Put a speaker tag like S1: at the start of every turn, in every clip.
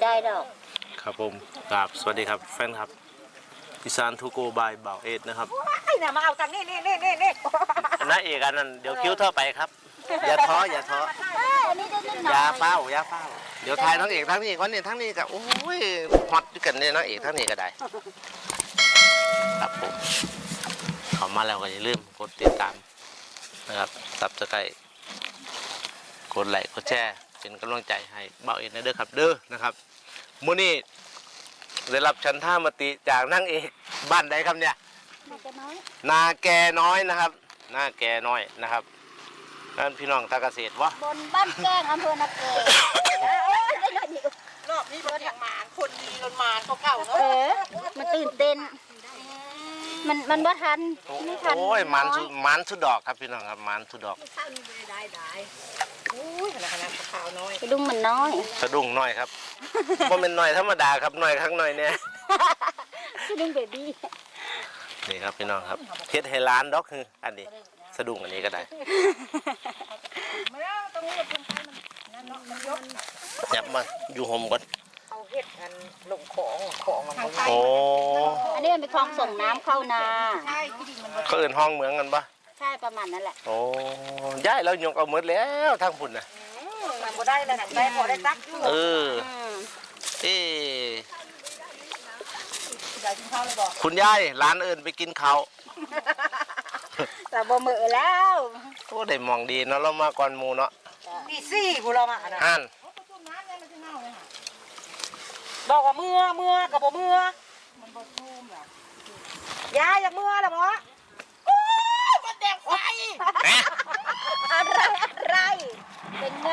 S1: ได้ดอก
S2: ครับผมครับสวัสดีครับแฟนครับอีสานทูโกบายบ่าวเอ็ดนะครับ
S3: ไอ้น่ะมาเอาตังนี่
S2: น้าเอกอันนั้นเดี๋ยวคิ้วเท่าไปครับอย่าท้ออย่าท้ออย่าเฝ้าเดี๋ยวทายทั้งเอกทั้งนี้คนนี้ทั้งนี้ก็โอ้ยฮอตด้วยกันเนี่ยน้าเอกทั้งนี้ก็ได้ครับผมเข้ามาแล้วก็อย่าลืมกดติดตามนะครับSubscribeกดไลค์กดแชร์เป็นกำลังใจให้บ่าวเอ็ดนะเด้อครับเด้อนะครับมื้อนี้ได้รับชันท่ามติจากนางเอกบ้านใดครับเนี่ยนาแกน้อยนะครับนาแกน้อยนะครับนั่นพี่น้องตาเกษตรวะ
S1: บนบ้านแก้งอำเภอนาเก
S3: รอบนี้รถอย่างหมานคนดีรถหมานเก่าเนาะ
S1: มันตื่นเต้นมันว่าทันไม่ทัน
S2: โอ้ยมันสุดดอกครับพี่น้องครับมันสุดดอก
S3: ได้อุ้ยขนาดขาวน้อย
S1: กระดุมมันน้อย
S2: สะดุ้งน้อยครับบ่เป็นน้อยธรรมดาครับน้อยข้างน้อยเนี่ย
S1: กระดุมเบบี้
S2: นี่ครับพี่น้องครับเฮ็ดให้ร้านดอกคืออันนี้สะดุ้งอันนี้ก็ได้
S3: มาแล้วตรงนี้ตรงไปมันเนาะมันยก
S2: ยับมาอยู่ห่มก่อน
S3: เอาเฮ็ดกันลงของมัน
S2: โอ้
S1: อันนี้มันเป็นคลองส่งน้ำเข้านา
S3: ใช่ที่ดินมัน
S2: เขาเอิ้นห้องเหมืองกันปะ
S1: ใช่ประมาณนั้นแหละ
S2: โอ้ย้ายแล้วยกเอาหมดแล้วทางพุ่นน่ะ
S3: มันบ่ได้แล้วได้พอได้ตักอยู่
S2: คุณยายร้านเอิญไปกินข้าว
S1: แต่บ่มือแล้ว
S2: โอ้ได้มองดีเนาะเรามาก่อนหมู่เนาะ
S3: ตีสี่พวกเรามา
S2: อ่าน
S3: บอกว่าเมื่อกับบ่เมื่อมันบ่ชุ่มล่ะยายอยากเมื่อล่ะบ่โอ้ยมันแดงไฟ
S1: อะไรเป็นไง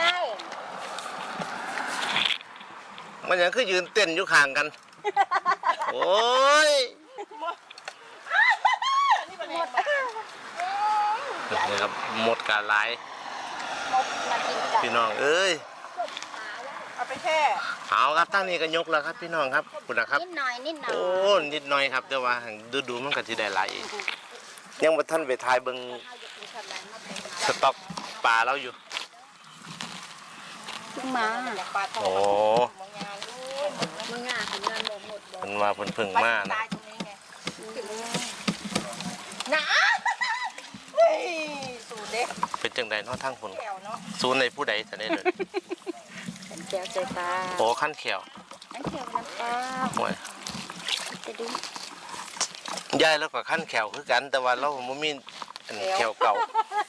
S2: มันยังคือยืนเต้นอยู่ข้างกันโอ้ยนี่ครับหมดการไล่พี่น้องเอ้ย
S3: เอาไปแช่
S2: เอาครับตั้งนี้ก็ยกแล้วครับพี่น้องครับคุณนะครับ
S1: นิดหน่อย
S2: โอ้นิดหน่อยครับแต่ว่าดูมันก็จะได้หลายยังบ่ทันไปทายเบิ่งสต็อกปลาเราอยู่
S1: เพิ่งมา
S2: โอ้
S1: มึงอ่ะถึงงานบ่หมดบ่
S2: มันมาเพิ่งมานะ
S3: นะเฮ้ยสูตรเด็ก
S2: เป็นจังได๋เนาะทางพุ่นสูตรในผู้ใดจะได้เลย
S1: ขันแก้วใจปลา
S2: โอ้ขั้นเขียว
S1: ขั้นเขียวน้ำปลา
S2: โอ้ย
S1: จะดู
S2: ยายแล้วก็ขั้นแขวคือกันแต่ว่าเราบ่มีอันแขวเก่า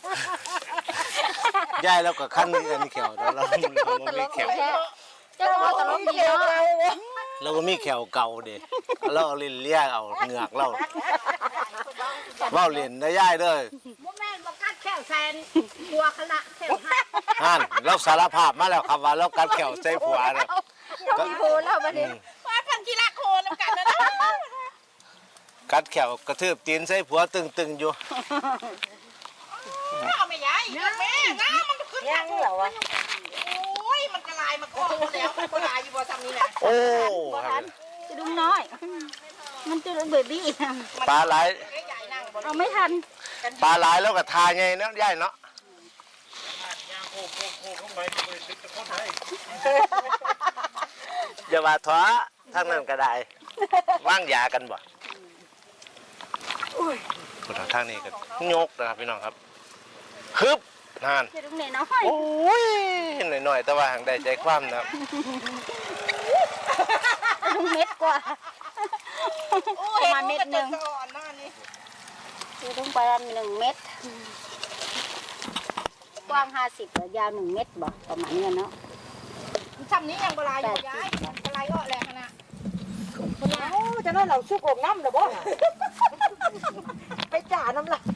S2: ยายแล้วก็ขั้นนี้อันแขวแต่เราบ่มีแขว
S1: จะว่าตลกดีเนาะ
S2: เราบ่มีแขวเก่าเด้เราเล่นเลี้ยเอาเหงือกเราเว้าเล่นได้ยายเด้อ
S1: บ่แม่นบ่กัดแขวแซนหัวขณะแขว
S2: หั่นเราสารภาพมาแล้วครับว่าเรากัดแขวใส่ผัวเนาะ
S1: มีโพแล้วบัดนี้
S3: ว่าพันกีฬาโคนำกันนะ
S2: กัดแขวกระทืบตีนใส่ผัวตึงๆอยู่
S3: เอาไม่ใหญ่แม่น้ำมันขึ้นยังเหรอวะโอ้ยมันกระลายมาโค้งแล้วมันกระลายอยู่บ่ซ้ำนี่นะ
S2: โอ้
S1: จะดุ้งน้อยมันจะเบบี้
S2: ปลาไหล
S1: เอาไม่ทัน
S2: ปลาไหลแล้วก็ทาไงเนาะยายเนาะอย่าว่าท้อทั้งนั้นก็ได้ว่างยากันบ่คนทางนี้ก็ยกนะครับพี่น้องครับฮึบนั่นโอ้ยหน่อยๆแต่ว่าห่างได้ใจความนะครับ
S1: เม็ดกว่าประมาณเม็ดหนึ่งต้องไป1 เม็ดกว้าง50ยาว1 เม็ดบ่ประมาณนี้เนาะ
S3: ซ้ำนี้ยังบลายอยู่ย้ายบลายก็แรงนะโอ้จะนั่นเราชุกอกน้ำหรือบ่ไปจ่าน้ำละ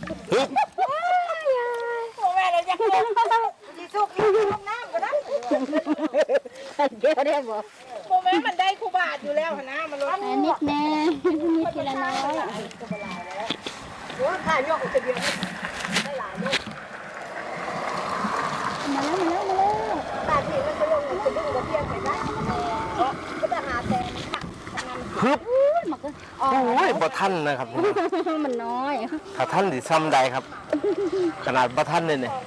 S3: โอ้แม่เลยยังดีชุกน้ำก็ได้
S1: เดี๋ยวได้บ่
S3: โมแม่มันได้คูบาทอยู่แล้วนะมันลด
S1: นิดแน่นิดทีละน้อย
S3: โอ้ถ่ายยกจะเดียวได้หลายลูก
S1: มาแล้ว
S3: ตาที่มันจะลงจะดึงกระเทียมไปได้ก็จะหาแต่ค่ะ
S2: ฮึบโอ้ยบ่ทันนะครับ
S1: มันน้อย
S2: ถ้าท่านสิซ้ำใดครับขนาดบ่ทันเลยเนี่ย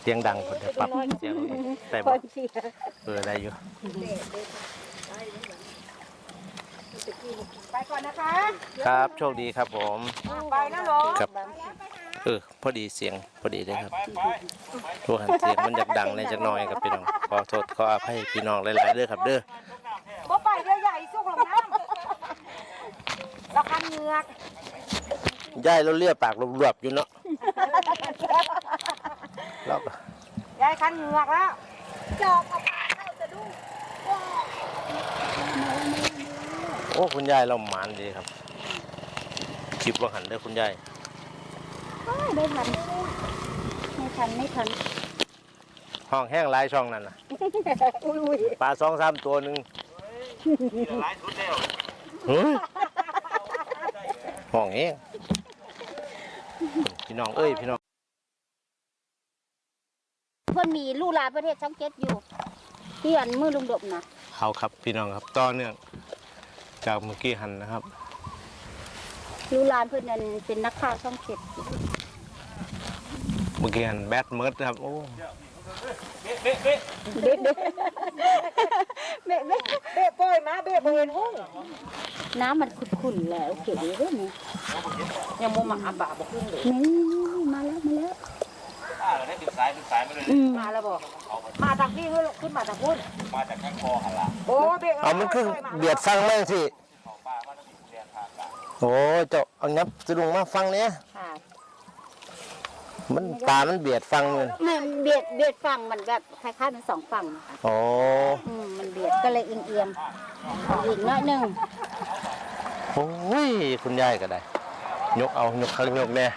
S2: เสียงดังคนจะปรับเสียงแต่บอกได้อยู่
S3: ไปก่อนนะคะ
S2: ครับโชคดีครับผม
S3: ไปนะหลง
S2: ครับพอดีเสียงพอดีเลยครับทุกหันเสียงมันอยากดังเลยจักหน่อยครับพี่น้องขอโทษขออภัยพี่น้องหลายๆเด้อครับเด้อ
S3: บ่ไปเรือใหญ่สู้ลงน้ำแล้วคันเหงือก
S2: ย่ายเราเลียปากรวบๆอยู่เนาะแล้วก็
S3: ยายคันเหงือกแล้ว
S1: จอบเอาเข้าจะดู
S2: โอ้คุณยายเราหมานดีครับคลิปว่าหันเด้อคุณยาย
S1: ได้ทันไม่ทัน
S2: ห้องแห้งหลายช่องนั่นน่ะ
S1: อุ้ย
S2: ปลา2-3 ตัวหนึงเฮ้ยห้องเองพี่น้องเอ้ยพี่น้อง
S1: เพิ่นมีลูกหลานประเทศช่องเจ็ดอยู่ที่อันมือลุงดบนะ
S2: เขาครับพี่น้องครับต่อเนื่องจากเมื่อกี้หันนะครับ
S1: ลูกหลานเพิ่นนั่นเป็นนักข่าวช่องเจ็ด
S2: เมื่อกี้หันแบดเมิร์ดครับโอ้
S1: เบ๊ะ
S3: เบ้โป้ยมาเบ้โป้ยหุ้ง
S1: น้ำมันขุ่นๆแล้วเก๋เลยนี่
S3: ยังโมมาอาบะบอกขึ้นเลย
S1: นี่มาแล้ว
S2: ได้ติดสายมาเลย
S3: มาแล้วบอกมาจากพี่ขึ้นมาจากพุ่น
S2: มาจากข้างคอหันละ
S3: โอ้เบ้
S2: เอามันขึ้นเบียดฟังแม่สิโอ้เจ้าเอางับสะดุงมาฟังเนี้ย
S3: ค่ะ
S2: มันตามันเบียดฟังเลย
S1: มันเบียดฝั่งมันแบบคล้ายๆมันสองฝั่งค่ะ
S2: โอ้
S1: มันเบียดก็เลยเอียงๆเอาอีกน้อยหนึง
S2: โอ้ยคุณยายก็ได้ยกเอายกข้างยกแน่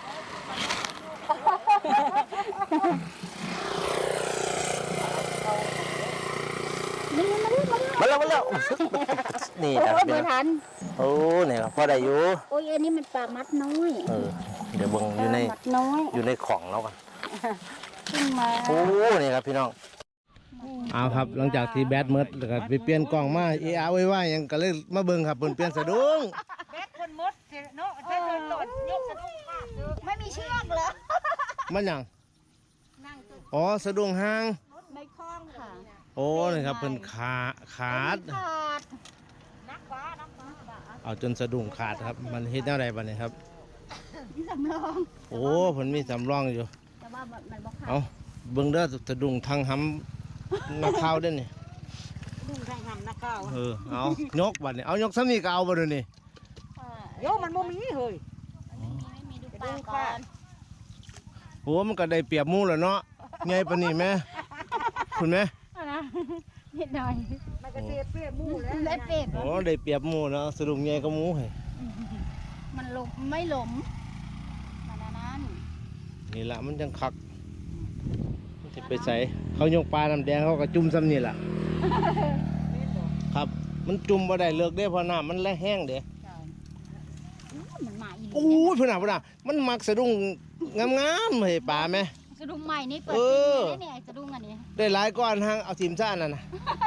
S2: มาแล้วนี่นะ
S1: เมื่อทัน
S2: โอ้เนี่ยครับพอได้อยู่
S1: โอ้ยอันนี้มันปลามัดน้อย
S2: เดี๋ยวเบิ่งอยู่ใน
S1: มัดน้อย
S2: อยู่ในของแล้วกัน
S1: ขึ้นมา
S2: โอ้นี่ครับพี่น้องเอาครับหลังจากที่แบดเมิดแล้วก็ไปเปลี่ยนกล่องมาไว้ว่ายังก็เลยมาเบิ่งครับเปลี่ยนสะดุ้ง
S3: แบกคนมดเนาะใช้เดินหล่นยกสะดุ้งมากเลย
S1: ไม่มีเชือกเหรอ
S2: มันหยังอ๋อสะดุ้งหาง
S1: ไม่คล้องค่ะ
S2: โอ้นี่ครับเพิ่นขาด
S1: ขาด
S3: นักฟ้า
S2: เอาจนสะดุ้งขาดครับมันเฮ็ดแนวใดบัดนี้ครับ
S1: มีสำรอง
S2: โอ้เพิ่นมีสำรองอยู่
S1: แต่ว่ามันบ่ขาด
S2: เอาเบิ่งเด้อสะดุ้งทางหำนักข่าวเด้อนี่
S3: ดุ้งทางทำนักข้าว
S2: เอายกบัดนี้เอายกซ้ำนี่ก็เอาบ่เด้อนี่
S3: โยมันโมมีเฮ้ย
S1: ไม่มีดูปลาก่อน
S2: โอ้มันก็ได้เปรียบหมู่แล้วเนาะใหญ่ปานนี้แม่คุณแม่
S1: นะนิดหน่อย
S3: มันก็เสียเปรียบมู่แล้ว
S1: ได้เป็ด
S2: โอ้ได้เปรียบหมู่เนาะสะดุ้งใหญ่ก็หมู่ให้
S1: มันหลบไม่หลมมันอันนั้น
S2: นี่ละมันจังคักมันสิไปใส่เขายกปลาน้ำแดงเขาก็จุ่มซ้ำนี่ล่ะครับมันจุ่มบ่ได้เลิกเด้เพราะน้ำมันแลแห้งเด้
S1: มันมาอีก
S2: โอ้ยพุ่นน่ะมันมักสะดุ้งงามๆให้ปลาไหม
S1: สะดุ้งใหม่นี่เปิด
S2: เอ
S1: ซิง
S2: อ
S1: เลยเนี่ยสะดุ้งอันนี้
S2: ได้หลายก้อนหางเอาทีมซ่านั่นน่ะ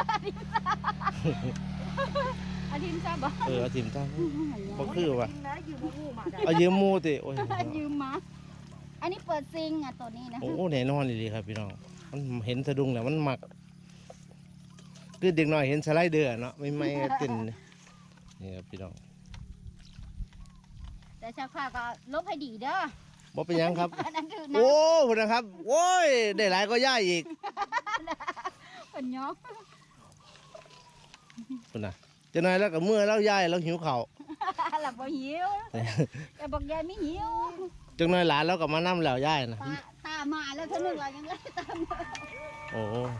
S1: อาทิมทราบบ่
S2: เอาทีมซ่าบ่คือว่า
S3: นะอยู่มู่มาได้
S2: เอายืมหมู่ติโอ้ย
S1: ยืมมาอันนี้เปิดซิงอ่ะตัวนี้นะ
S2: โอ้แน่นอนดีครับพี่น้องมันเห็นสะดุ้งแล้วมันมักคือเด็กน้อยเห็นสไลเดอร์เนาะไม่เต้นนี่ครับพี่น้อง
S1: แต่ชาวข้าก็ลบให้ดีเด้อ
S2: บ่เป็นหยังครับ
S1: อันนั้นคือนะ
S2: โอ้พุ่นนะครับโอ้ยได้หลายก็ย่ายอีก
S1: เป็นยอก
S2: พุ่นน่ะจะนายแล้วก็เมื่อแล้วย่ายแล้วหิวข้าว
S1: หลับบ่หิวแต่บอกยายไม่หิว
S2: จังน้อยหลานแล้วก็มานั่แล้วย่ายนะ
S1: ตามาแล้วเท่านึงเรายังไม่ตาม
S2: โอ้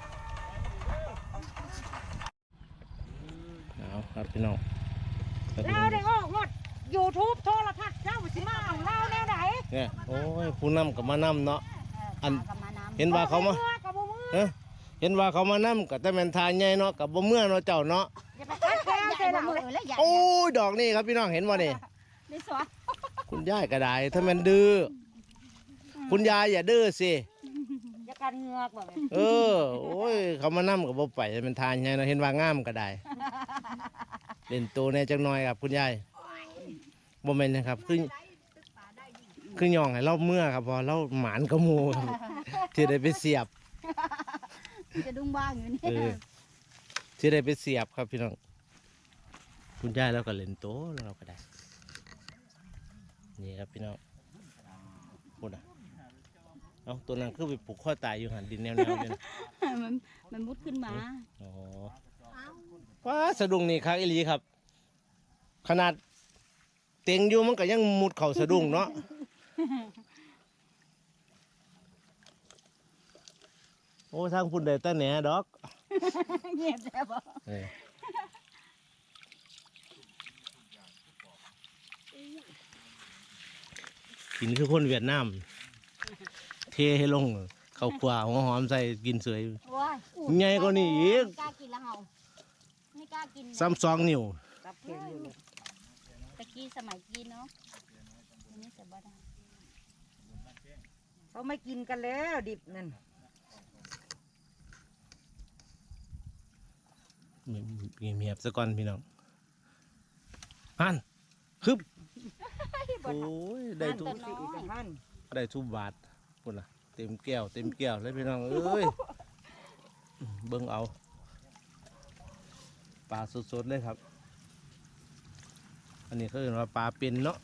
S2: เอาครับพี่น้อง
S3: เราได้ออกหมดยูทูบโทรทัศน์เจ้าสิมาเอาเราแนวไหน
S2: เนี่ยโอ้ยผู้นำกับมานํเนาะ อัน
S1: กับมาน้ำ
S2: เห็นว่าเขามา
S3: กับบ่มือ
S2: เอ้อเห็นว่าเขามานํกับแต่แม่นทานใหญ่เนาะกับบ่เมื่อเนาะเจ้าเนาะ
S3: อย่าไปคัดแค้น
S1: ใหญ่
S3: ใส่ห
S1: บ่
S3: ลัง
S1: มือ
S3: เลย
S1: แล้วใหญ่
S2: โอ้ยดอกนี่ครับพี่น้องเห็นบ่นี่
S1: ได้สวะ
S2: คุณยายก็ได้ถ้าแม่นดื้อคุณยายอย่าดื้อสิ
S3: อย่ากันเหงือกบ่แม่
S2: เออโอ้ยเขามานํกับบ่ไปแม่นทานใหญ่เนาะเห็นว่างามก็ได้เล่นโตแน่จังน้อยครับคุณยายบ่แม่นนะครับคือย่องให้เราเมื่อครับพอเราหมานกระมูครับที่ได้ไปเสียบ
S1: จะดุ้งบ้างอยู่นี่
S2: ที่ได้ไปเสียบครับพี่น้องคุณยายแล้วก็เล่นโต๊ะแล้วเราก็ได้นี่ครับพี่น้องพูดนะเอาตัวนั้นคือไปปลูกข้อตายอยู่หันดินแนวๆเลยนะ
S1: มันมุดขึ้นมา
S2: อ๋อว้าสะดุ้งนี่ครับอีหลีครับ ขนาดเต็งอยู่มันก็ยังมุดเข่าสะดุ้งเนาะโอ้ทางพุ่นได้แต่แหน่ดอก
S1: เงียบแซ่บ
S2: กินคือคนเวียดนามเทให้ลงข้าวกว่าหัวหอมใส่กินสวย
S1: ว้าย
S2: ใหญ่กว่านี้อีก
S1: ไม่กล้ากินละเฮาไม่กล้ากิน
S2: ซ้ำ2 นิ้ว
S3: รับเข็มอยู่เลย
S1: ตะกี้สมัยกินเนาะอันนี้จะบ่ได้
S3: เขาไม่กินกันแล้วดิบนั่น
S2: เงียบๆซะก่อนพี่น้องฮันคึบโอ้ยได้ทุก
S3: อีกท่าน
S2: ได้ทุบบาทพุ่นล่ะเต็มแก้วเลยพี่น้องเอ้ยเบิ่งเอาปลาสดๆเลยครับ อันนี้เขาเรียกว่าปลาเป็นเนาะ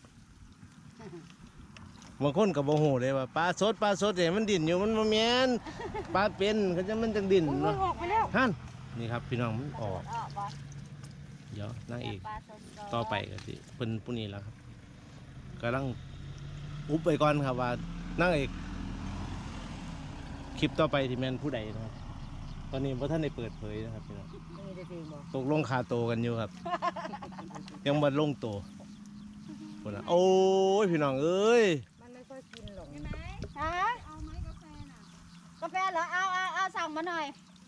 S2: บางคนกับโมโหเลยว่าปลาสดเนี่ยมันดิ่นอยู่มันบ่แม่นปลาเป็นเขาจะมันจังดิ่น
S3: มัน
S2: เนาะ
S3: ออกไปแล้ว
S2: ฮันนี่ครับพี่น้องมันออก
S1: บ่
S2: เดี๋ยวนางเอก
S1: ปลาสดๆ
S2: ต่อไปก็สิเพิ่นผู้นี้แล้วครับกำลังอุบไปก่อนครับว่านางเอกคลิปต่อไปที่แม่นผู้ใดนะครับตอนนี้พระท่านได้เปิดเผยนะครับพี่น้อง
S3: นี่ได้เพลงบอก
S2: ตกลงคาโตกันอยู่ครับ ยังบ่ลงโตคนละโอ้ยพี่น้องเอ้ย
S3: มันไม่ค่อยกินหรอก
S1: ฮะเอาไหมกาแฟน่ะกาแฟเหรอเอาสั่งมาหน่อย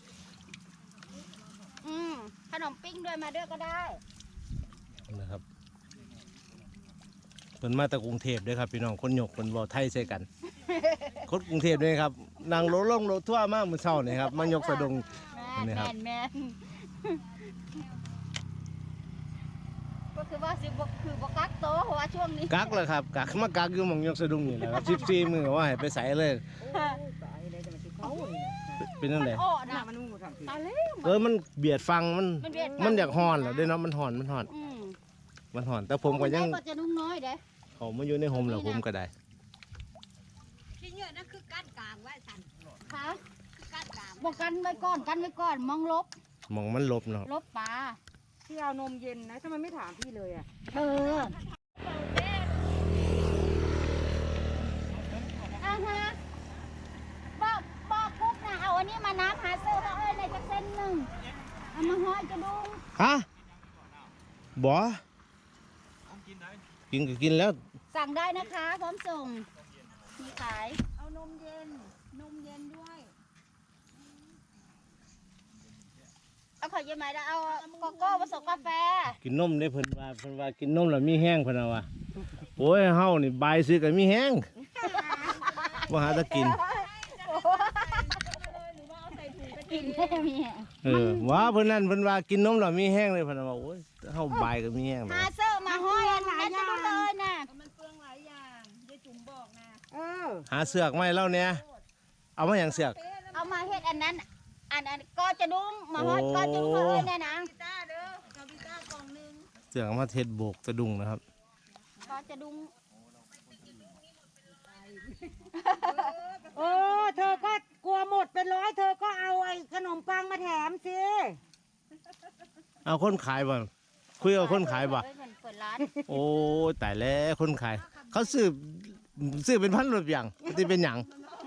S1: ขนมปิ้งด้วยมาด้วยก็ได้
S2: นะครับเพิ่นมาจากกรุงเทพด้วยครับพี่น้องคนหยกเพิ่นเว้าไทยใส่กัน คนกรุงเทพด้วยครับนั่งรถลงรถทั่วร์มามื้อเช้านี่ครับมายกสะดุง
S1: แม่
S2: นี่ครับ
S1: แม่ก็คือว่าสิบ่คือบ่กักโตเพราะว่าช่วงนี้
S2: กักเลยครับกักมากักอยู่หม่องยกสะดุงนี่แหละครับ14มื้อว่าให้ไปใส่เลย
S3: ตายเลยจะมาติดเขานี่นะ
S2: เป็นจังได๋
S1: โอ้
S3: หน้า
S1: น่ะ
S3: มันงูทางที
S1: ตายแล้ว
S2: มันเบียดฟังมัน
S1: มันเบียด
S2: มันอยากฮ้อนแล้วเด้เนาะมันฮ้อน
S1: อืม
S2: มันฮ้อนแต่ผมก็ยัง
S1: ก็จะนุ่งน้อยเด้
S2: เขามาอยู่ในโฮมแล้วผมก็ได้
S4: ที่เยอะนั่นคือก้านกลางไว้สัน
S1: ค่ะ
S4: คือก้านกลาง
S1: บอกกันไว้ก่อนมองลบ
S2: มองมันลบเนาะ
S1: ลบปลา
S3: ที่เอานมเย็นนะทำไมไม่ถามพี่เลยอ่ะ
S1: เออฮะบอกปุ๊บนะเอาอันนี้มาน้ำหาซื้อเขาในจักเส้นหนึ่งเอามาห้อยกระดุง
S2: ฮะบ่กินก็กินแล้ว
S1: สั่งได้นะคะพร้อมส่งมีขาย
S4: เอานมเย็นด้วย
S1: เอาขอเยี่ยมไหมแล้วเอาโกโก้ผสมกาแฟ
S2: กินนมได้เพิ่นว่ากินนมแล้วมีแห้งเพิ่นว่าโอ้ยเฮานี่บายซื้อก็มีแห้งบ่หาตะกิน
S1: กินได้มี
S2: ว่าเพิ่นนั่นเพิ่นว่ากินนมแล้วมีแห้งเลยเพิ่นว่าโอ้ยเฮาบายก็มีแห้ง
S1: หาเสื้อมาห้อยหลายอย่างเลยนะ
S4: มันเปลืองหลายอย่างยายจุ๋มบอกนะ
S3: เออ
S2: หาเสือกมาให้เราเนี่ยเอามาหยังเสือก
S1: เอามาเฮ็ดอันนั้นก็จะดุ้งมาห้อยก็จะดุ้งเลยเนี่ยนะ
S4: พิต้าเด้อเอาพิต้ากล่องนึง
S2: เสือกเอามาเทศโบกสะดุ้งนะครับ
S1: ก็จะดุ้ง
S3: โอ้เธอก็กลัวหมดเป็นร้อยเธอก็เอาไอ้ขนมปังมาแถมสิ
S2: เอาคนขายบ่คุยกับคนขายบ่
S1: เปิดร้าน
S2: โอ้ยตายแล้วคนขายเขาซื้อเป็นพันรถอย่างที่เป็นหยัง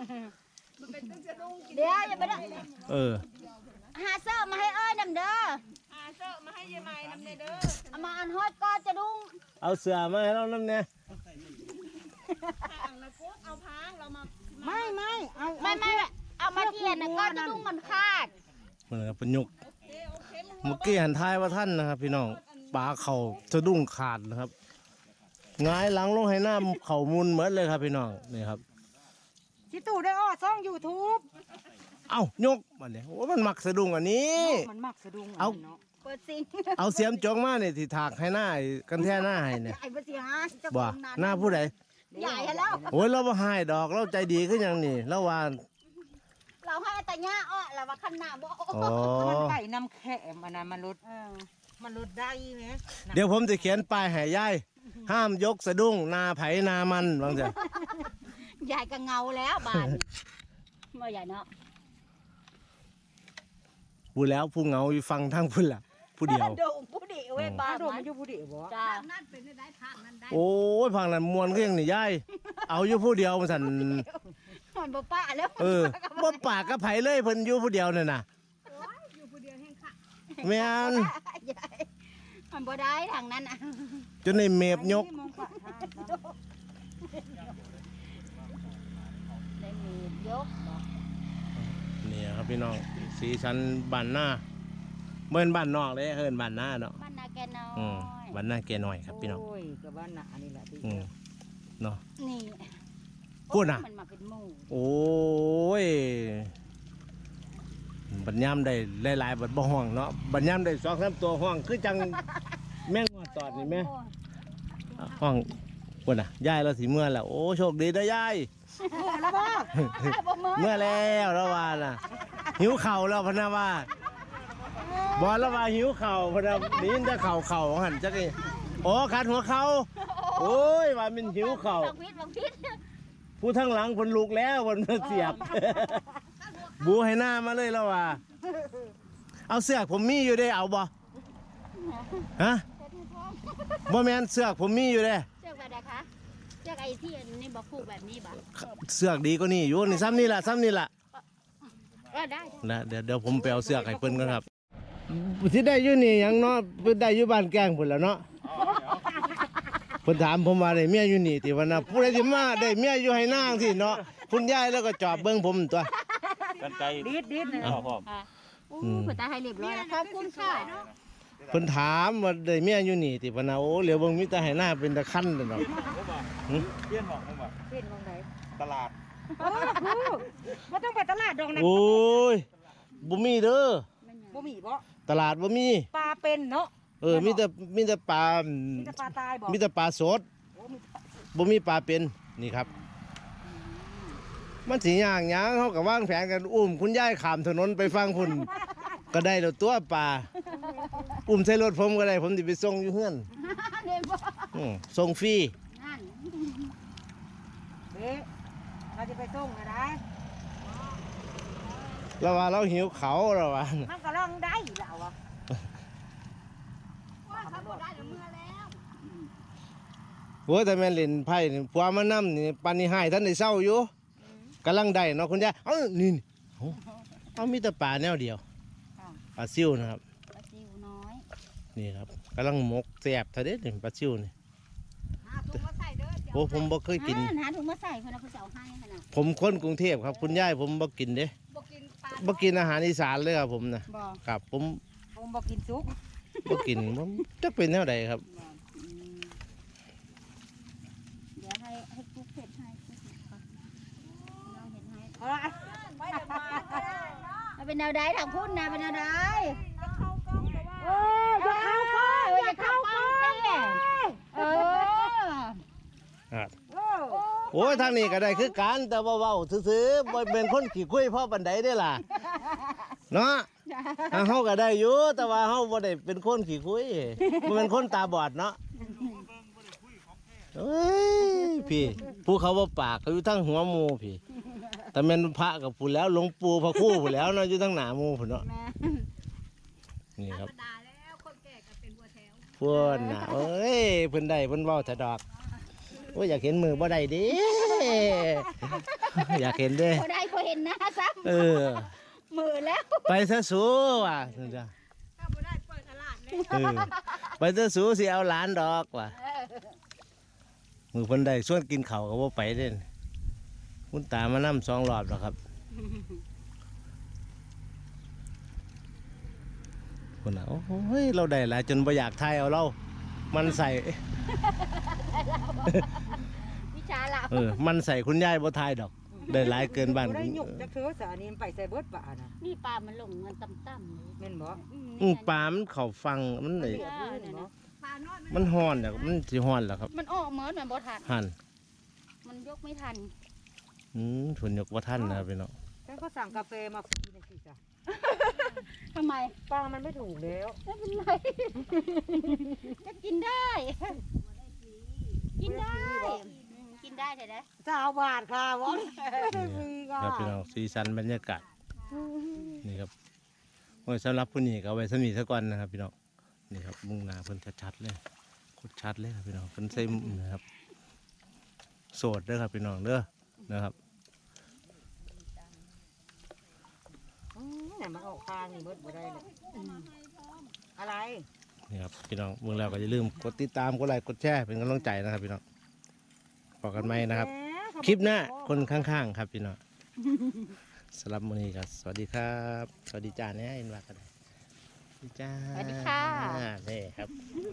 S1: เดี๋ยวอย่าไปเด้อ
S2: เออ
S1: หาเสื้อมาให้เอ้ยนำเด้อ
S4: เสื้อมาให้ยายไม้น้ำเนเด้อ
S1: เอามาอันห้อยก็จะดุ้ง
S2: เอาเสือมาให้เราน้ำเนี่ย
S4: ห่างแล้วกุ๊กเอาพางเรามา
S3: ไม่เอา
S1: ไม่เอามาเทียนนะก็จะดุ้งมันคาด
S2: เหมือนกับประยุกต์เมื่อกี้หันท้ายว่าท่านนะครับพี่น้องปลาเข่าสะดุ้งขาดนะครับหงายหลังลงให้หน้าเข่ามุนเหมือนเลยครับพี่น้องนี่ครับ
S3: ชิตู่ได้อ้อซ่อง YouTube
S2: เอ้ายกมาเนี่ยโอ้มันมักสะดุ้งอันนี้
S3: มันมักสะดุ้ง
S2: เอา
S3: เนาะ
S1: เปิดซิง
S2: เอาเสียมจองมาเนี่ยที่ถากให้หน้าไอ้กันแท่หน้าให้เนี่ย
S1: ใหญ่ปะสิฮะเจ้าข
S2: บ่
S1: อง
S2: หน้าผู้ใด
S1: ใหญ่แล้ว
S2: โอ้ยเราบ่ให้ดอกเราใจดีขึ้นอย่างนี้เราว่า
S1: เราให้แต่หญ้าอ้อแล้วว่าคันหน้าบ่
S5: อ๋อ
S3: มันไก่น้ำแข็มอันนั้นมันลดได้ไหม
S5: เดี๋ยวผมจะเขียนป้ายให้ยายห้ามยกสะดุ้งนาไผนามันบางเถอะ
S1: ยายก็เงาแล้วบ้านเมื่อใหญ่เนาะ
S5: พูดแล้วผู้เหงาอยู่ฟังทั้งพุ่นล่ะผู้เดียว
S1: โด่งผู้ดีเว้ยบ้า
S3: ป้าน โดมมันอยู่ผู้เดียวบ่
S1: จ้า
S5: โอ้ยฟังนั้นมวนก็ยังนี่ยายเอาอยู่ผู้เดียวมาสั่น
S1: มันบ่ป้าแล้ว
S5: เออบ่ปากกับไผเลยเพิ่นอยู่ผู้เดียวนั่นน่ะแม่น
S1: ยายมันบ่ได้ทางนั้นอ่ะ
S5: จนในเมบยก
S1: ได้มียกบ่
S5: นี่ครับพี่น้องสีสันบ้านหน้าเมื่อนบ้านนอกเลยเฮินบ้านหน้าเนาะ
S1: บ้านนาแกน้อ
S5: อืม
S1: ย
S5: บ้านหน้าแกน้อยครับพี่น้อง
S3: โอ้ยกับบ้านหนานี่แหละที่
S5: อืมเนาะ
S1: นี่
S5: พูดน่ะ
S1: มันมาเป็นหมู่
S5: โอ้ยบัดย่ำได้หลายๆบัดบ่ห้องเนาะบัดย่ำได้2-3ตัวห้องคือจังแม่งอดตอดนี่แม่ห้องพุ่นน่ะยายเราสิเมื่อแล้วโอ้โชคดีเด้อยาย
S3: แล้วบ่
S1: บ่มือ
S5: เมื่อแล้วแล้วว่าน่ะหิวเข่าวแล้วพะนะว่าบอกแล้วว่าหิวเข่าวพะนะนี่จะเข่าหันจักนี่โอ้ขัดหัวเข่าโอ้ยว่ามันหิวเข่าว
S1: บางพิษ
S5: ผู้ทั้งหลังคนลุกแล้วคนมาเสียบ บูให้หน้ามาเลยแล้วว่าเอาเสือกผมมีอยู่ได้เอาบ่ฮะบ่แม่นเสือกผมมีอยู่เด้
S1: เชือกแบบใดคะเชือกไอ้ที่อันนี้บ่ผูกแบบนี้บ่
S5: เสือกดีก็นี่อยู่นี่ซ้ำนี่ล่ะ
S1: ได้
S5: นะเดี๋ยวผมไปเอาเสือกให้เพิ่นกันครับที่ได้อยู่นี่หยังเนาะเพิ่นได้อยู่บ้านแกงพุ่นแล้วเนาะเพิ่นถามผมว่าได้เมียอยู่นี่ติว่านะผู้ใดสิมาได้เมียอยู่ให้นางสิเนาะคุณยายแล้วก็จอบเบิ่งผมตัว
S6: กันไกล
S3: ดิดนะ
S6: พ่อพ่อ
S1: ค่ะอู้เพิ่นตาให้เรียบร้อยแล้วขอบคุณค่ะ
S5: เพิ่นถามว่าได้เมียอยู่นี่ติว่านะโอ้เหลียวเบิ่งมีแต่ให้หน้าเป็นตะคันนั่นดอก
S6: เลี้ยนบอกผมว่า
S3: เป็นมองไหน
S6: ตลาด
S3: โอ้บ่ต้องไปตลาดดอกนะ
S5: โอ้ยบ่มีเด้อ
S3: บ่มีบ่
S5: ตลาดบ่มี
S3: ปลาเป็นเนาะ
S5: มีแต่ปลา
S3: มีแต่ปลาตายบ่
S5: มีแต่ปลาสดบ่มีปลาเป็นนี่ครับ มันสิย่างหยังเฮาก็วางแผนกันอุ้มคุณยายข้ามถนนไปฟังพุ่นก็ได้แล้วตัวปลาอุ้มใส่รถผมก็ได้ผมสิไปส่งอยู่เฮือน
S1: เรียนบ่
S5: ส่งฟรี
S1: นั่น
S3: เด้เราจะไปส่งอะไร
S5: แล้วว่าเราหิวเขาแล้วว่า
S3: มันก็ลองได้แล้วอ่ะ
S1: เขาบ่ได้เมื่อแล้ว
S5: โอ้ยแต่แม่นเล่นไพ่นี่ผัวมานำนี่ปานนี้หายท่านได้เศร้าอยู่กำลังได้เนาะคุณยายนี่เอามีแต่ปลาแนวเดียวปลาซิวนะครับ
S1: ปลาซิวน้อย
S5: นี่ครับกำลังหมกแซ่บเท่าเด็ดนี่ปลาซิวนี่โอ้ผมบ่เคยกิน
S1: หาถุงมาใส่เพิ่นเอาเพิ่นจะเอาให้ขนาด
S5: ผมคนกรุงเทพครับคุณยายผมบ่กินเด้
S1: บ่กินปลา
S5: บ่กินอาหารอีสานเลยครับผมนะ
S1: บ่
S5: ครับผม
S3: ผมบอกกินซุก
S5: บ่กินผมจะเป็นแนวใดครับ
S1: เดี๋ยวให้กุ๊กเผ็ดให้กุ๊กเผ็ดก่อนเราเห็นให้
S3: เอาละไม่ได้มา
S1: เอาเป็นแนวใดทางพุ่นนะเป็นแนวใด
S3: โอ้ยอย่าเข้าไป
S1: อย่าเข้ากล้องเต้เออ
S5: โอ้ยทางนี้ก็ได้คือกันแต่ว่าเว้าซื่อๆบ่เป็นคนขี้คุยพ่อปานใดเด้ล่ะเนาะเฮาก็ได้อยู่แต่ว่าเฮาบ่ได้เป็นคนขี้คุยบ่เป็นคนตาบอดเนาะเอ้ยพี่ผู้เขาบ่ปากเขาอยู่ทั้งหัวหมู่พี่แต่แม่นพระกับผู้แล้วหลวงปู่พระครูผู้แล้วเนาะอยู่ทั้งหน้าหมู่พุ่นเนาะนี่ครับพวกน่ะเอ้ยเพิ่นได้เพิ่นเว้าแต่ดอกโอ้ยอยากเห็นมือบ่ได้เดิอยากเห็นเด้
S1: พอได้พอเห็นหน้าซ้
S5: เออ
S1: ำมือแล้ว
S5: ไปซะสูว่ะนั่นจ้ะเออไปซะสูสิเอาหลานดอกว่ะมือเพิ่นได้ส่วนกินข้าวก็บ่ไปเด้คุณตามานำ2 รอบแล้วครับคนน่ะโอ้ยเราได้หลายจนบ่อยากทายเอาเรามันใส่
S1: วิชาเรา
S5: มันใส่คุณยายบ่ทายดอก ได้หลายเกินบ้าน
S3: ได้หยุกจักเถือสานี่ไปใส่เบิดป่านะ
S1: นี่ปลามันลงเงินต่ำๆ
S3: แม่นบ่
S5: ปลามันเข้าฟังมันได้
S1: ปลาน้อย
S5: มันฮ้อนเนี่ยมันสิฮ้อนแล้วครับ
S1: มันออกเหมือนมันบ่ทัน
S5: หั่น
S1: มันยกไม่ทัน
S5: ทุนยกว่าท่านนะครับพี่น้อง
S3: ฉันก็สั่งกาแฟมาฟรีนะสิจ้ะ
S1: ทำไม
S3: ป้ามันไม่ถูกแล้ว
S1: ไม่เป็นไรก็กินได้ กินได้กินได้เถอะนะ
S3: จะเอาบาทค่ะวอนฟรีก็
S5: ครับพี่น้องสีสันบรรยากาศนี่ครับโอ้ยสำหรับผู้นี้ก็เอาไว้สมีซะก่อนนะครับพี่น้องนี่ครับมุ่งหน้าเพิ่นชัดๆเลยโคตรชัดเลยครับพี่น้องเพิ่นใส่นะครับโสดเด้อครับพี่น้องเด้อนะครับ
S3: เนี่ยมันออกทางนี่เบิดบ่ได้เลยอะไร
S5: นี่ครับพี่น้องเมื่อแล้วก็อย่าลืมกดติดตามกดไลค์กดแชร์เป็นกำลังใจนะครับพี่น้องพบกันใหม่นะครับ คลิปหน้าคนข้างๆครับพี่น้องสำหรับมื้อนี้ก็สวัสดีครับ สวัสดีจ้าเนี่ยเอ็นว่ากันได้สวัสดีจ้า
S1: สวัสดีค่ะ
S5: นี่ครับ